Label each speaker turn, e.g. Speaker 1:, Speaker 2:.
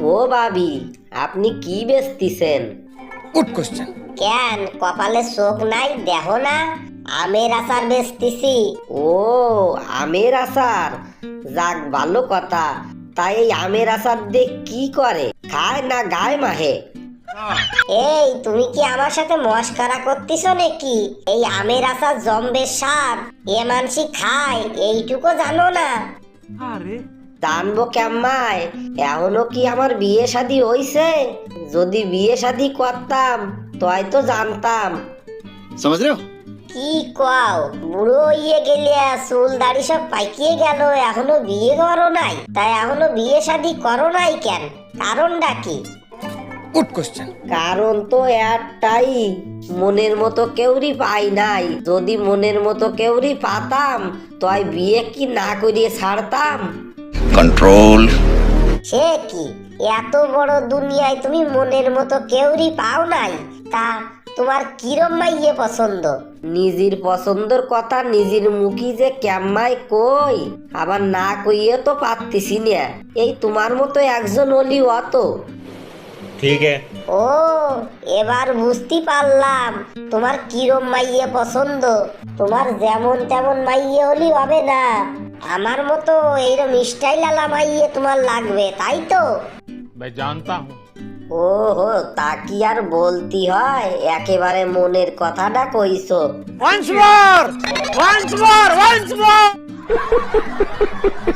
Speaker 1: ও ভাবি, আপনি কি বেচতিছেন?
Speaker 2: Good question.
Speaker 3: কেন কপালে চোখ নাই দেখো না? আমের আচার বেচতেছি।
Speaker 1: ও, আমের আচার, যাক ভালো কথা। তাই এই আমের আচার দিয়ে কি করে, খায় না গায়ে মাহে?
Speaker 3: এই তুমি কি আমার সাথে মস্করা করতেছো নাকি? এই আমের আচার জম্বে স্বাদ, এ মানসি খায় এইটুকু জানো না?
Speaker 1: জানবো কেম্মাই, এখনো কি আমার বিয়ে শাদী হইছে? যদি বিয়ে শাদী করতাম তয় তো জানতাম।
Speaker 2: समझ रहे हो?
Speaker 3: কি কও, বুড়ো হইয়ে গেলে চুল দাড়ি সব পাকিয়ে গেল, এখনো বিয়ে করো নাই? তাই এখনো বিয়ে শাদী করো নাই কেন? কারণটা কি?
Speaker 2: Good question.
Speaker 1: কারণ তো একটাই, মনের মতো কেউরি পাই নাই। যদি মনের মতো কেউরি পাতাম তয় বিয়ে কি না করিয়ে ছাড়তাম?
Speaker 2: कंट्रोल।
Speaker 3: সে কি, এত বড় দুনিয়ায় তুমি মনের মতো কেউরি পাও নাই? তা তোমার কিরম মাইয়ে পছন্দ?
Speaker 1: নিজের পছন্দর কথা নিজের মুখী যে কেম্মাই কই, আবার না কইয়ে তো পারতেছি না। এই তোমার মতো একজন হলি অত।
Speaker 4: ठीक है।
Speaker 3: ও, এবার বুঝতে পারলাম তোমার কিরম মাইয়ে পছন্দ। তোমার যেমন তেমন মাইয়ে হলি হবে না, আমার মতো এইরকম স্টাইল আলা মাইয়ে তোমার লাগবে, তাই তো?
Speaker 4: मैं जानता हूँ।
Speaker 1: ও হো, তা কি আর বলতি হয়, একেবারে মনের কথাটা কইছো।
Speaker 4: Once more! Once more! Once more!